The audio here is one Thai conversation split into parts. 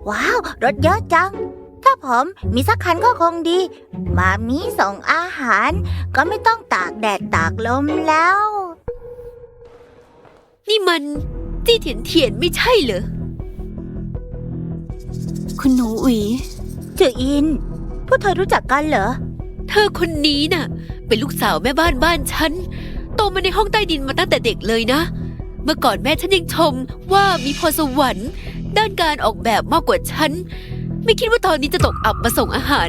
ว้าวรถเยอะจังถ้าผมมีสักคันก็คงดีมามีส่งอาหารก็ไม่ต้องตากแดดตากลมแล้วนี่มันจี้เถียนไม่ใช่เหรอคุณหนูอุ๋ยจืออินพวกเธอรู้จักกันเหรอเธอคนนี้น่ะเป็นลูกสาวแม่บ้านฉันโตมาในห้องใต้ดินมาตั้งแต่เด็กเลยนะเมื่อก่อนแม่ฉันยังชมว่ามีพรสวรรค์ด้านการออกแบบมากกว่าฉันไม่คิดว่าตอนนี้จะตกอับมาส่งอาหาร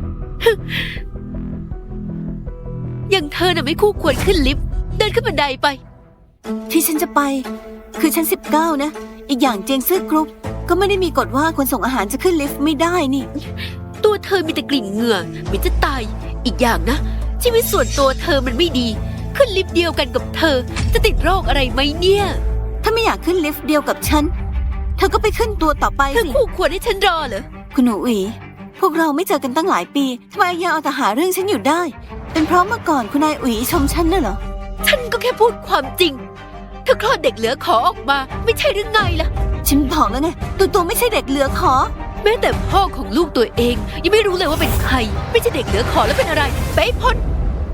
อย่างเธอน่ะไม่คู่ควรขึ้นลิฟต์เดินขึ้นบันไดไปที่ฉันจะไปคือชั้น19นะอีกอย่างเจียงซื่อกรุ๊ปก็ไม่ได้มีกฎว่าคนส่งอาหารจะขึ้นลิฟต์ไม่ได้นี่ตัวเธอมีแต่กลิ่นเหงื่อเหม็นจะตายอีกอย่างนะชีวิตส่วนตัวเธอมันไม่ดีขึ้นลิฟต์เดียวกันกับเธอจะติดโรคอะไรไหมเนี่ยถ้าไม่อยากขึ้นลิฟต์เดียวกับฉันเธอก็ไปขึ้นตัวต่อไปสิเธอคู่ควรให้ฉันรอเหรอคุณหนูอุ๋ยพวกเราไม่เจอกันตั้งหลายปีทำไมยังเอาแต่หาเรื่องฉันอยู่ได้เป็นเพราะเมื่อก่อนคุณนายอุ๋ยชมฉันน่ะเหรอฉันก็แค่พูดความจริงเธอคลอดเด็กเหลือขอออกมาไม่ใช่หรือไงล่ะฉันบอกแล้วไงตัวไม่ใช่เด็กเหลือขอแม้แต่พ่อของลูกตัวเองยังไม่รู้เลยว่าเป็นใครไม่ใช่เด็กเหลือขอแล้วเป็นอะไรไปพ้น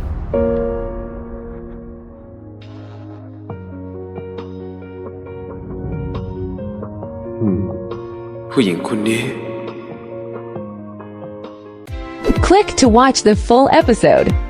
ผู้หญิงคนนี้ Click to watch the full episode.